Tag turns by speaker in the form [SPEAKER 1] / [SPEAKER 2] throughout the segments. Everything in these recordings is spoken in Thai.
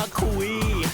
[SPEAKER 1] คุย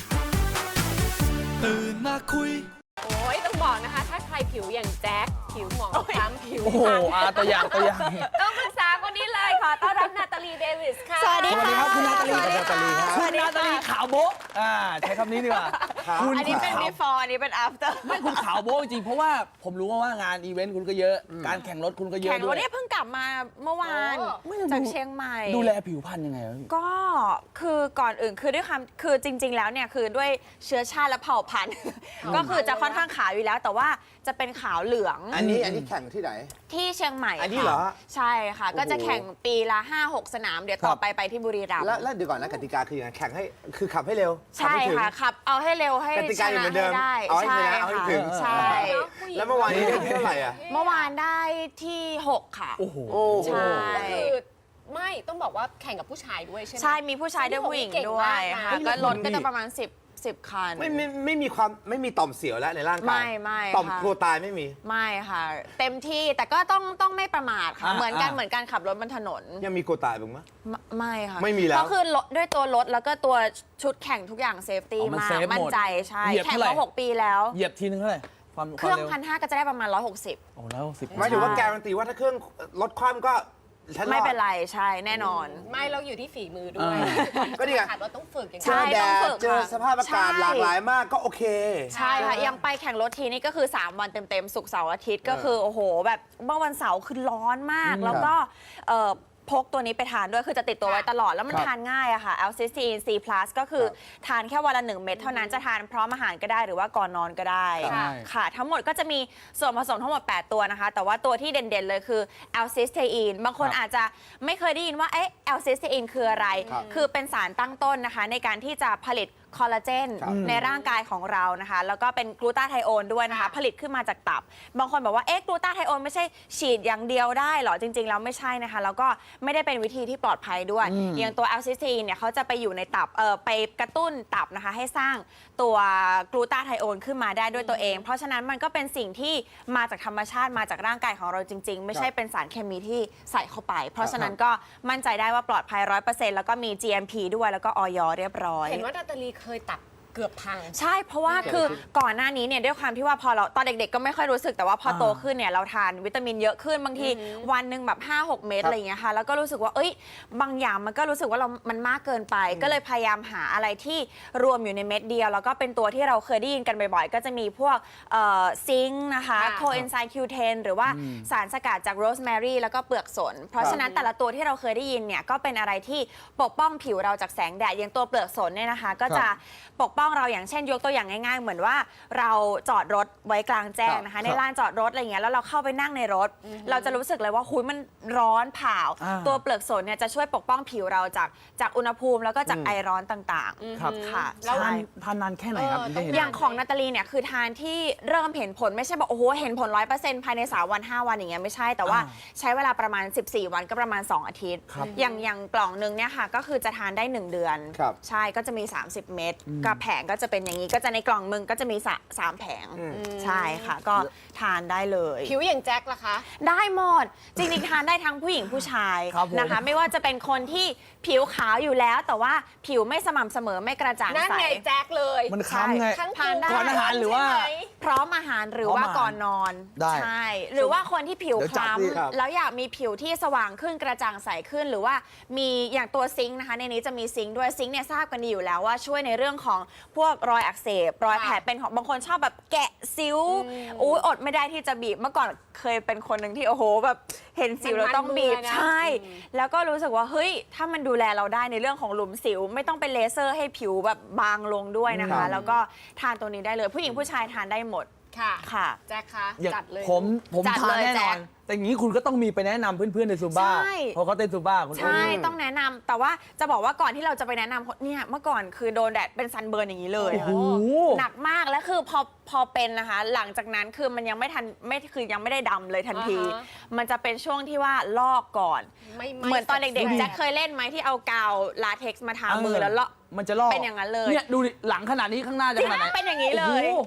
[SPEAKER 1] ตื่นมาคุย
[SPEAKER 2] โอ้ยต้องบอกนะคะถ้าใครผิวอย่างแจ็คผิวหมองคล้ำผิว
[SPEAKER 3] โอ้โหตัวอย่าง
[SPEAKER 2] ต้องปรึกษาคนนี้เลยขอต้อนรับนาตาลีเดวิสค่ะ
[SPEAKER 4] สวัสดีค่ะ
[SPEAKER 3] คุณนาตาลี
[SPEAKER 4] สวัสดีค่ะ
[SPEAKER 3] คุณนาตาลีขาวโบ๊ะใช้คำนี้ดีกว่า
[SPEAKER 4] อันนี้เป็น before อันนี้เป็น after
[SPEAKER 3] ไม่คุณขาวโบ๊ะจริงเพราะว่าผมรู้ว่างานอีเวนต์คุณก็เยอะการแข่งรถคุณก็เยอะ
[SPEAKER 4] แข่ง
[SPEAKER 3] ด้
[SPEAKER 4] วั
[SPEAKER 3] วน ย
[SPEAKER 4] นี้เพิ่งกลับมาเมื่อวานจากเชียงใหม่
[SPEAKER 3] ดูแลผิวพรรณยังไงวะพี่
[SPEAKER 4] ก็คือก่อนอื่นคือด้วยความคือจริง ๆ แล้วเนี่ยคือด้วยเชื้อชาติและเผ่าพันธุ์ ก็คือจะค่อนข้างขาวอยู่แล้ว แต่ว่าจะเป็นขาวเหลือง
[SPEAKER 5] อันนี้แข่งที่ไหน
[SPEAKER 4] ที่เชียงใหม่
[SPEAKER 5] อันนี้เหรอ
[SPEAKER 4] ค่ะใช่ค่ะ ก็จะ
[SPEAKER 5] โอ้โห
[SPEAKER 4] แข่งปีละ 5-6 สนาม เดี๋ยวต่อไปที่บุรีรัมย์
[SPEAKER 5] แล้วเดี๋ยวก่อนนะกติกาคือยังไงแข่งให้คือขับให้เร็ว
[SPEAKER 4] ใช่ค่ะขับเอาให้เร็วให้
[SPEAKER 5] กติ
[SPEAKER 4] ช
[SPEAKER 5] กาอยู่
[SPEAKER 4] นะ
[SPEAKER 5] เหมือนเดิ
[SPEAKER 4] ให้
[SPEAKER 5] ม
[SPEAKER 4] ได้
[SPEAKER 5] เอาให้
[SPEAKER 4] ใช่
[SPEAKER 5] ชนะเอาให้
[SPEAKER 4] ค่ะ
[SPEAKER 5] ถึง
[SPEAKER 4] ใช่
[SPEAKER 5] แล้วเมื่อวานนี้ได้ที่เท่าไหร่อ่ะ
[SPEAKER 4] เมื่อวานได้ที่ 6 ค่ะ
[SPEAKER 3] โอ้โห
[SPEAKER 4] ใช่
[SPEAKER 2] ก็คือไม่ต้องบอกว่าแข่งกับผู้ชายด้วยใช่ไหม
[SPEAKER 4] ใช่ มีผู้ชายด้วยผู้หญิงด้วยค่ะ
[SPEAKER 5] เก่งมากนะ
[SPEAKER 4] ก็รถก็จะประมาณ10 คัน
[SPEAKER 5] ไม่มีต่อมเสียวแล้วในร่างกาย
[SPEAKER 4] ไม่
[SPEAKER 5] ต่อม
[SPEAKER 4] ค่ะ
[SPEAKER 5] กลัวตายไม่มี
[SPEAKER 4] ไม่ค่ะ เต็มที่แต่ก็ต้องไม่ประมาทค่ะ เหมือนกัน
[SPEAKER 3] อ่า
[SPEAKER 4] เหมือนการขับรถบนถนน
[SPEAKER 5] ยังมีกลัวตายบ้างไหม
[SPEAKER 4] ไม่ค่ะ
[SPEAKER 5] ไม่มีแล้ว
[SPEAKER 4] ก็คือรถด้วยตัวรถแล้วก็ตัวชุดแข่งทุกอย่างเซฟตี้
[SPEAKER 3] มัน
[SPEAKER 4] มาก
[SPEAKER 3] เซฟหมด
[SPEAKER 4] มั่นใจใช่
[SPEAKER 3] เหยียบ
[SPEAKER 4] แข่ง
[SPEAKER 3] เท่าไหร่
[SPEAKER 4] มา6 ปีแล้ว
[SPEAKER 3] เหยียบทีนึงเท่าไหร่ความ
[SPEAKER 4] เครื่อง
[SPEAKER 3] วาม
[SPEAKER 4] 1,500ก็จะได้ประมาณ160
[SPEAKER 3] โอ้แล้ว10
[SPEAKER 5] หมายถึงว่าการันตีว่าถ้าเครื่องรถคว่ำก็ฉันรอด
[SPEAKER 4] ไม่เป็นไรใช่แน่นอน
[SPEAKER 2] ไม่เราอยู่ที่ฝีมือด้วย
[SPEAKER 5] ก็นี่ไง
[SPEAKER 2] ขับรถต้องฝึกอย่าง
[SPEAKER 4] ใช่
[SPEAKER 5] เจอแด
[SPEAKER 4] ต้องฝึ
[SPEAKER 5] ด
[SPEAKER 4] ก
[SPEAKER 5] เจอ
[SPEAKER 4] ค่ะ
[SPEAKER 5] สภาพอากาศ
[SPEAKER 4] ใช่
[SPEAKER 5] หลากหลายมากก็โอเค
[SPEAKER 4] ใช่ค่ะยังไปแข่งรถทีนี่ก็คือ 3 วันเต็มๆศุกร์เสาร์อาทิตย์ก็คือโอ้โหแบบเมื่อวันเสาร์คือร้อนมาก แล้วก็พกตัวนี้ไปทานด้วยคือจะติดตัวไว้ตลอดแล้วมัน
[SPEAKER 5] ครับ
[SPEAKER 4] ทานง่ายอะค่ะ L-cysteine C+ ก็คือทานแค่วันละ1 เม็ดเท่านั้นจะทานพร้อมอาหารก็ได้หรือว่าก่อนนอนก็ได้
[SPEAKER 3] ใช่
[SPEAKER 4] ค่ะ ทั้งหมดก็จะมีส่วนผสมทั้งหมด 8 ตัวนะคะ แต่ว่าตัวที่เด่นๆเลยคือ L-cysteine บางคนอาจจะไม่เคยได้ยินว่าL-cysteine คืออะไร
[SPEAKER 5] ครับ
[SPEAKER 4] คือเป็นสารตั้งต้นนะคะในการที่จะผลิตคอลลาเจน
[SPEAKER 5] ครับ
[SPEAKER 4] ในร่างกายของเรานะคะ แล้วก็เป็นกลูตาไทโอนด้วยนะคะ ผลิตขึ้นมาจากตับ บางคนบอกว่ากลูตาไทโอนไม่ใช่ฉีดอย่างเดียวได้เหรอ จริงๆแล้วไม่ใช่นะคะ แล้วก็ไม่ได้เป็นวิธีที่ปลอดภัยด้วย อย่างตัวแอลซิสตีนเนี่ยเขาจะไปอยู่ในตับไปกระตุ้นตับนะคะให้สร้างตัวกลูตาไทโอนขึ้นมาได้ด้วยตัวเอง เพราะฉะนั้นมันก็เป็นสิ่งที่มาจากธรรมชาติมาจากร่างกายของเราจริง ๆ ไม่ใช่เป็นสารเคมีที่ใส่เข้าไป เพราะฉะนั้นก็มั่นใจได้ว่าปลอดภัย 100%แล้วก็มี GMP ด้วยแล้วก็อย.เรียบร้อย
[SPEAKER 2] เห็นว่านาตาลีเคยตับเกือบพัง
[SPEAKER 4] ใช่ เพราะว่าคือก่อนหน้านี้เนี่ยด้วยความที่ว่าพอเราตอนเด็กๆก็ไม่ค่อยรู้สึกแต่ว่าพอโตขึ้นเนี่ยเราทานวิตามินเยอะขึ้นบางทีวันหนึ่งแบบ 5-6 เม็ดอะไรอย่างเงี้ยค่ะแล้วก็รู้สึกว่าบางอย่างมันก็รู้สึกว่ามันมากเกินไป ก็เลยพยายามหาอะไรที่รวมอยู่ในเม็ดเดียว แล้วก็เป็นตัวที่เราเคยได้ยินกันบ่อยๆ ก็จะมีพวกซิงค์นะคะ
[SPEAKER 2] ค่ะ
[SPEAKER 4] โคเอนไซม์ Q10 หรือว่าสารสกัดจากโรสแมรี่แล้วก็เปลือกสน เพราะฉะนั้นแต่ละตัวที่เราเคยได้ยินเนี่ยก็เป็นอะไรที่ปกป้องผิวเราจากแสงแดดอย่างตัวเปลือกสนเนี่ยนะคะก็จะปกป้องเราอย่างเช่นยกตัวอย่างง่ายๆเหมือนว่าเราจอดรถไว้กลางแจ้งนะคะในลานจอดรถอะไรเงี้ยแล้วเราเข้าไปนั่งในรถ เราจะรู้สึกเลยว่าหุยมันร้อนเผาตัวเปลือกสนเนี่ยจะช่วยปกป้องผิวเราจากอุณหภูมิแล้วก็จากไอร้อนต่างๆ
[SPEAKER 3] ครับ
[SPEAKER 4] ค่ะ
[SPEAKER 3] แล้ว
[SPEAKER 4] ใช่
[SPEAKER 3] ทานนานแค่ไหนครับถึงได้เห็น
[SPEAKER 4] อย่างของนาตาลีเนี่ยคือทานที่เริ่มเห็นผลไม่ใช่บอกโอ้โหเห็นผล 100% ภายใน3 วัน 5 วันอย่างเงี้ยไม่ใช่แต่ว่าใช้เวลาประมาณ14 วันก็ประมาณ2 อาทิตย์
[SPEAKER 3] ครับ
[SPEAKER 4] อย่างกล่องนึงเนี่ยค่ะก็คือจะทานได้ 1 เดือน
[SPEAKER 5] ครับ
[SPEAKER 4] ใช่ก็จะมี 30 เม็ดกับแผงก็จะเป็นอย่างนี้ก็จะในกล่องมึงก็จะมี3 แผงใช่ค่ะก็ทานได้เลย
[SPEAKER 2] ผิวอย่างแจ็คล่ะคะ
[SPEAKER 4] ได้หมด จริงๆทานได้ทั้งผู้หญิงผู้ชาย
[SPEAKER 3] ครับผม
[SPEAKER 4] นะคะ ไม่ว่าจะเป็นคนที่ผิวขาวอยู่แล้ว แต่ว่าผิวไม่สม่ำเสมอไม่กระจ่าง
[SPEAKER 2] นั่น
[SPEAKER 4] ใส
[SPEAKER 2] ไงแจ็คเลย
[SPEAKER 3] มันค้ำไง
[SPEAKER 2] ทั้ง
[SPEAKER 4] ทานได้
[SPEAKER 3] ก่อนอาหารหรือว่า
[SPEAKER 2] ใช่ไม
[SPEAKER 4] พร้อมอาหารหรือ
[SPEAKER 3] พร้อม
[SPEAKER 4] ว่า
[SPEAKER 3] อาหาร
[SPEAKER 4] ก่อนนอน
[SPEAKER 3] ได้
[SPEAKER 4] ใช่หรือว่าคนที่ผิว
[SPEAKER 3] เดี๋ยว
[SPEAKER 4] ค
[SPEAKER 3] จัด
[SPEAKER 4] ล้
[SPEAKER 3] ดิ
[SPEAKER 5] ครับ
[SPEAKER 4] ำแล้วอยากมีผิวที่สว่างขึ้นกระจ่างใสขึ้น หรือว่ามีอย่างตัวซิงค์นะคะในนี้จะมีซิงค์ด้วยซิงค์เนี่ยทราบกันดีอยู่แล้วว่าช่วยในเรื่องของพวกรอยอักเสบรอยแผลเป็นของบางคนชอบแบบแกะซิ้วอุ้ยอดไม่ได้ที่จะบีบเมื่อก่อนเคยเป็นคนหนึ่งที่โอ้โหแบบเห็นสิวแล้วต้องบีบ
[SPEAKER 2] มันๆมือนะ
[SPEAKER 4] ใช่ แล้วก็รู้สึกว่าเฮ้ยถ้ามันดูแลเราได้ในเรื่องของหลุมสิว ไม่ต้องเป็นเลเซอร์ให้ผิวแบบบางลงด้วยนะ
[SPEAKER 5] ครั
[SPEAKER 4] คะ
[SPEAKER 5] บ
[SPEAKER 4] แล้วก็ทานตัวนี้ได้เลยผู้หญิงผู้ชายทานได้หมด
[SPEAKER 2] ค่ะ
[SPEAKER 4] ค่ะ
[SPEAKER 2] แจ็คคะ
[SPEAKER 3] อย่าง
[SPEAKER 2] จัดเลย
[SPEAKER 3] ผม
[SPEAKER 4] จัด
[SPEAKER 3] ทาน
[SPEAKER 4] เลย
[SPEAKER 3] แน่น
[SPEAKER 4] แจ็
[SPEAKER 3] อน
[SPEAKER 4] ค
[SPEAKER 3] แต่อย่างนี้คุณก็ต้องมีไปแนะนำเพื่อนๆในซูบ้า
[SPEAKER 4] ใช่
[SPEAKER 3] เพราะเขาเต้นซูบ้าคุณ
[SPEAKER 4] ใช่ต้องแนะนำแต่ว่าจะบอกว่าก่อนที่เราจะไปแนะนำเนี่ยเมื่อก่อนคือโดนแดดเป็นซันเบิร์นอย่างนี้เลย
[SPEAKER 3] โอ้โห
[SPEAKER 4] หนักมากแล้วคือพอเป็นนะคะ หลังจากนั้นคือมันยังไม่ทันคือยังไม่ได้ดำเลยทันที
[SPEAKER 2] อ่าฮะ
[SPEAKER 4] มันจะเป็นช่วงที่ว่าลอกก่อน
[SPEAKER 2] ไม่
[SPEAKER 4] เหมือนตอนเด็กๆ
[SPEAKER 2] แสบ
[SPEAKER 4] แจ็คเคยเล่นไหมที่เอากาวลาเท็กซ์มาทามือแล้วลอก
[SPEAKER 3] มันจะลอก
[SPEAKER 4] เป็นอย่างนั้นเลย
[SPEAKER 3] เนี่ยดูดิหลังขนาดนี้ข้างหน้าจะขนาดไหน
[SPEAKER 4] เป็นอย่างนี้เลย
[SPEAKER 3] โอ้โห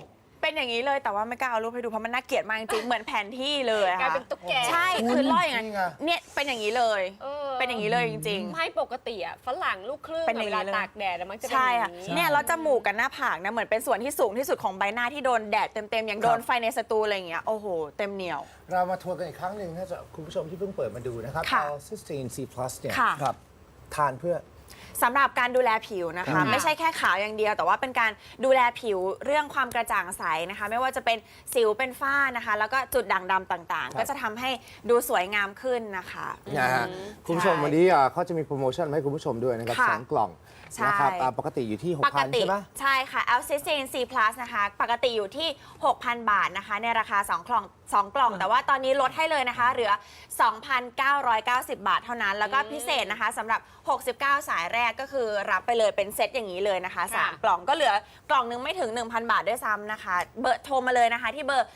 [SPEAKER 4] เป็นอย่างนี้เลยแต่ว่าไม่กล้าเอารูปให้ดูเพราะมันน่าเกลียดมากจริงๆเหมือนแผนที่เลยอะ
[SPEAKER 2] กลาย
[SPEAKER 4] ค่ะ
[SPEAKER 2] เป็นตุ๊กแก
[SPEAKER 4] ใช่คือล่อยอย่างนั้น
[SPEAKER 5] นี่ไง
[SPEAKER 4] เนี่ยเป็นอย่างนี้เลย
[SPEAKER 2] เออ
[SPEAKER 4] เป็นอย่างนี้เลยจริง
[SPEAKER 2] ไม่ปกติอ่ะฝรั่งลูกครึ่ง
[SPEAKER 4] เป็นอย่างนี้
[SPEAKER 2] เวลา
[SPEAKER 4] เลย
[SPEAKER 2] ตากแดดอะมันจะเป็น
[SPEAKER 4] ใช่
[SPEAKER 2] อ
[SPEAKER 4] ค่ะ
[SPEAKER 2] ย่างนี้
[SPEAKER 4] เนี่ยแล้วจมูกกับหน้าผากนะเหมือนเป็นส่วนที่สูงที่สุดของใบหน้าที่โดนแดดเต็มๆอย่างโดนไฟในสตูอะไรอย่างเงี้ยโอ้โหเต็มเหนียว
[SPEAKER 1] เรามาทวนกันอีกครั้งหนึ่งถ้าจะคุณผู้ชมที่เพิ่งเปิดมาดูนะครับ
[SPEAKER 4] ค่ะ
[SPEAKER 1] L-cysteine C+ เนี่ย
[SPEAKER 4] ค่ะ
[SPEAKER 3] ครับ
[SPEAKER 1] ทานเพื่อ
[SPEAKER 4] สำหรับการดูแลผิวนะคะ ไม่ใช่แค่ขาวอย่างเดียว แต่ว่าเป็นการดูแลผิวเรื่องความกระจ่างใสนะคะ ไม่ว่าจะเป็นสิวเป็นฝ้านะคะ แล้วก็จุดด่างดำต่างๆ ก็จะทำให้ดูสวยงามขึ้นนะคะ
[SPEAKER 1] นะฮะคุณผู้ชมวันนี้เขาจะมีโปรโมชั่นมาให้คุณผู้ชมด้วยนะครับ
[SPEAKER 4] ค่ะ
[SPEAKER 1] 2 กล่อง
[SPEAKER 4] ใช่
[SPEAKER 1] นะครับปกติอยู่ที่
[SPEAKER 4] ปก
[SPEAKER 1] 6,000
[SPEAKER 4] ติ
[SPEAKER 1] ใช่ไหม
[SPEAKER 4] ใช่ค่ะ L-cysteine C+ นะคะ ปกติอยู่ที่ 6,000 บาทนะคะ ในราคา 2 กล่อง แต่ว่าตอนนี้ลดให้เลยนะคะ เหลือ 2,990 บาทเท่านั้น แล้วก็พิเศษนะคะสำหรับ 69 สายแรกก็คือรับไปเลยเป็นเซตอย่างนี้เลยนะคะ 3 กล่องก็เหลือกล่องนึงไม่ถึง 1,000 บาทด้วยซ้ำนะคะ เบอร์โทรมาเลยนะคะ ที่เบอร์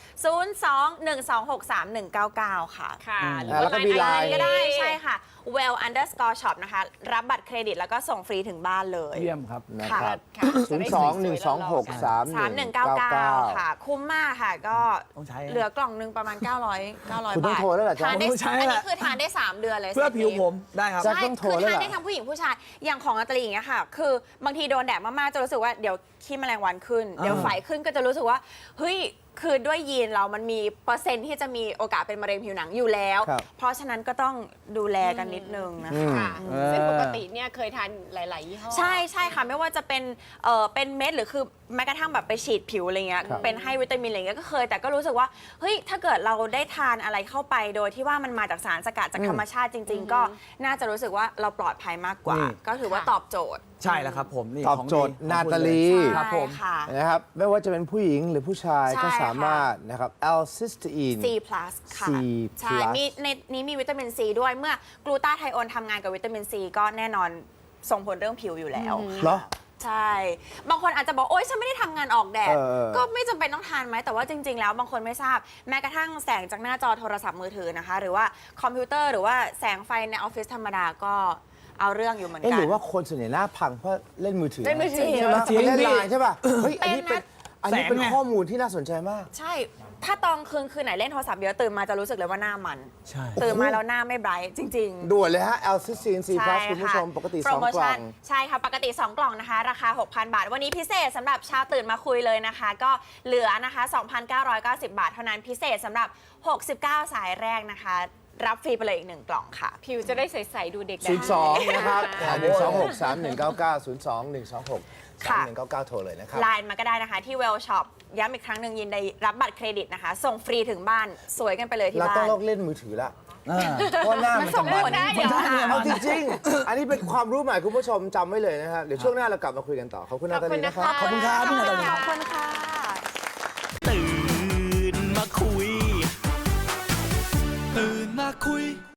[SPEAKER 4] 02-126-3199 ค่ะ
[SPEAKER 2] ค่ะหรือ
[SPEAKER 1] แล้วก็
[SPEAKER 2] ว่า
[SPEAKER 1] มี
[SPEAKER 2] ไล
[SPEAKER 1] ไลน์
[SPEAKER 2] น์
[SPEAKER 4] ก็ได้ใช่ค่ะ well_shop นะคะ รับบัตรเครดิตแล้วก็ส่งฟรีถึงบ้านเลย
[SPEAKER 3] เยี่ยมครับ
[SPEAKER 1] นะครับ
[SPEAKER 2] ค่ะจะได้สวยๆหล่อๆกัน
[SPEAKER 4] 3199 ค่ะ คุ้มมากค่ะ ก็
[SPEAKER 3] ต้องใช้
[SPEAKER 4] เหลือกล่องนึงประมาณ 900
[SPEAKER 1] คุณต้อง
[SPEAKER 4] บาท
[SPEAKER 1] โทรแล้วเหรอจ๊ะ
[SPEAKER 4] ทานได้
[SPEAKER 3] ต้องใช้
[SPEAKER 4] อัน
[SPEAKER 3] แห
[SPEAKER 4] นี้
[SPEAKER 3] ละ
[SPEAKER 4] คือทานได้ 3 เดือนเลย
[SPEAKER 3] เพื่อผิวผมได้ครับ
[SPEAKER 1] แจ็ค
[SPEAKER 4] ใช่
[SPEAKER 1] ต้องโทร
[SPEAKER 4] คือ
[SPEAKER 1] แล้ว
[SPEAKER 4] ทาน
[SPEAKER 1] ล่ะ
[SPEAKER 4] ได้ทั้งผู้หญิงผู้ชาย อย่างของนาตาลีอย่างเงี้ยค่ะ คือบางทีโดนแดดมากๆ จะรู้สึกว่าเดี๋ยวขี้แมลงวันขึ้น เดี๋ยวไฝขึ้นก็จะรู้สึกว่า เฮ้ย คือด้วยยีนเรามันมีเปอร์เซ็นต์ที่จะมีโอกาสเป็นมะเร็งผิวหนังอยู่แล้ว
[SPEAKER 1] ครับ
[SPEAKER 4] เพราะฉะนั้นก็ต้องดูแลกันนิดนึงนะคะ
[SPEAKER 2] ค่ะ
[SPEAKER 3] เออ
[SPEAKER 2] ซึ่งปกติเนี่ยเคยทานหลาย ๆ ยี่ห้อ
[SPEAKER 4] ใช่ใช่ค่ะไม่ว่าจะเป็นเป็นเม็ดหรือคือแม้กระทั่งแบบไปฉีดผิวอะไรเงี้ย
[SPEAKER 1] ครับ
[SPEAKER 4] เป็นให้วิตามินอะไรเงี้ยก็เคยแต่ก็รู้สึกว่าเฮ้ยถ้าเกิดเราได้ทานอะไรเข้าไปโดยที่ว่ามันมาจากสารสกัดจากธรรมชาติจริง ๆ ก็น่าจะรู้สึกว่าเราปลอดภัยมากกว่า
[SPEAKER 3] นี่
[SPEAKER 4] ก็ถือว่าตอบโจทย์
[SPEAKER 3] ใช่แล้วครับผมนี่
[SPEAKER 1] ตอบ
[SPEAKER 3] ของ
[SPEAKER 1] โจทย์
[SPEAKER 3] ของ
[SPEAKER 1] นา
[SPEAKER 3] คุณ
[SPEAKER 1] ตาลี
[SPEAKER 3] เลยครับผม
[SPEAKER 4] ใช่ค่ะ
[SPEAKER 1] นะครับไม่ว่าจะเป็นผู้หญิงหรือผู้ชาย
[SPEAKER 4] ใช่
[SPEAKER 1] ก็สามารถนะครับ L-cysteine
[SPEAKER 4] C+ ค่ะ
[SPEAKER 1] C+
[SPEAKER 4] ใช่มีในนี้มีวิตามินซีด้วยเมื่อกลูตาไทโอนทำงานกับวิตามินซีก็แน่นอนส่งผลเรื่องผิวอยู่แล้ว
[SPEAKER 1] เหรอ
[SPEAKER 4] ใช่ บางคนอาจจะบอกโอ๊ยฉันไม่ได้ทำงานออกแดด
[SPEAKER 1] เออ
[SPEAKER 4] ก็ไม่จำเป็นต้องทานไหม แต่ว่าจริง ๆ แล้วบางคนไม่ทราบ แม้กระทั่งแสงจากหน้าจอโทรศัพท์มือถือนะคะ หรือว่าคอมพิวเตอร์หรือว่าแสงไฟในออฟฟิศธรรมดาก็เอาเรื่องอยู่เหมือน
[SPEAKER 1] เอ๊ะ
[SPEAKER 4] กั
[SPEAKER 1] หรือว่าคนส่วนใหญ่หน้าพังเพราะเล่นมือถือ
[SPEAKER 2] เล่นมือถือ
[SPEAKER 1] ใช่ไหม
[SPEAKER 3] จริง
[SPEAKER 1] เล่น
[SPEAKER 3] พี่
[SPEAKER 1] ไลน์ใช่ป่ะเฮ้ยอันนี้
[SPEAKER 4] เป็
[SPEAKER 1] เป็น
[SPEAKER 4] นนะ
[SPEAKER 1] อันนี้เป็น
[SPEAKER 3] แสงไง
[SPEAKER 1] ข้อมูลที่น่าสนใจมาก
[SPEAKER 4] ใช่ ถ้าตอนคืนไหนเล่นโทรศัพท์เยอะตื่นมาจะรู้สึกเลยว่าหน้ามัน
[SPEAKER 3] ใช่
[SPEAKER 4] ตื่นมาแล้วหน้าไม่ไบรท์จริง ๆ
[SPEAKER 1] ด่วนเลยฮะ L-cysteine C+ คุณผู้ชม ปกติ
[SPEAKER 4] โปร
[SPEAKER 1] 2
[SPEAKER 4] โม
[SPEAKER 1] กล่อ
[SPEAKER 4] ชั่
[SPEAKER 1] ง
[SPEAKER 4] นใช่ค่ะ ปกติ 2 กล่องนะคะ ราคา 6,000 บาท วันนี้พิเศษสำหรับชาวตื่นมาคุยเลยนะคะ ก็เหลือนะคะ 2,990 บาทเท่านั้นพิเศษสำหรับ 69 สายแรกนะคะ รับฟรีไปเลยอีก 1 กล่องค่ะ
[SPEAKER 2] ผิวจะได้ใส ๆ ดูเด็กได้
[SPEAKER 1] 02 นะครับ
[SPEAKER 2] ค่ะ
[SPEAKER 1] 126 3199 02
[SPEAKER 4] ค่ะ
[SPEAKER 1] 126 3199 โทรเลยนะครับ
[SPEAKER 4] ไลน์มาก็ได้นะคะที่ Well Shop ย้ำอีกครั้งหนึ่งยินดีรับบัตรเครดิตนะคะ ส่งฟรีถึงบ้านสวยกันไปเลยที่
[SPEAKER 1] เรา
[SPEAKER 4] บ้า
[SPEAKER 1] ต้อง
[SPEAKER 4] น
[SPEAKER 1] เลิกเล่นมือถือละ
[SPEAKER 3] อ่า
[SPEAKER 1] เพราะหน้ามันจะมัน
[SPEAKER 2] ได้เดี๋ยว
[SPEAKER 1] เอาจริงๆ อันนี้เป็นความรู้ใหม่คุณผู้ชมจำไว้เลยนะครับ เดี๋ยวช่วงหน้าเรากลับมาคุยกันต่อ ขอบคุณนาตาลีนะครับ
[SPEAKER 3] ขอบคุณครับพี่นาตาลี
[SPEAKER 4] ขอบคุณค่ะ
[SPEAKER 6] ตื่นมาคุย ตื่นมาคุย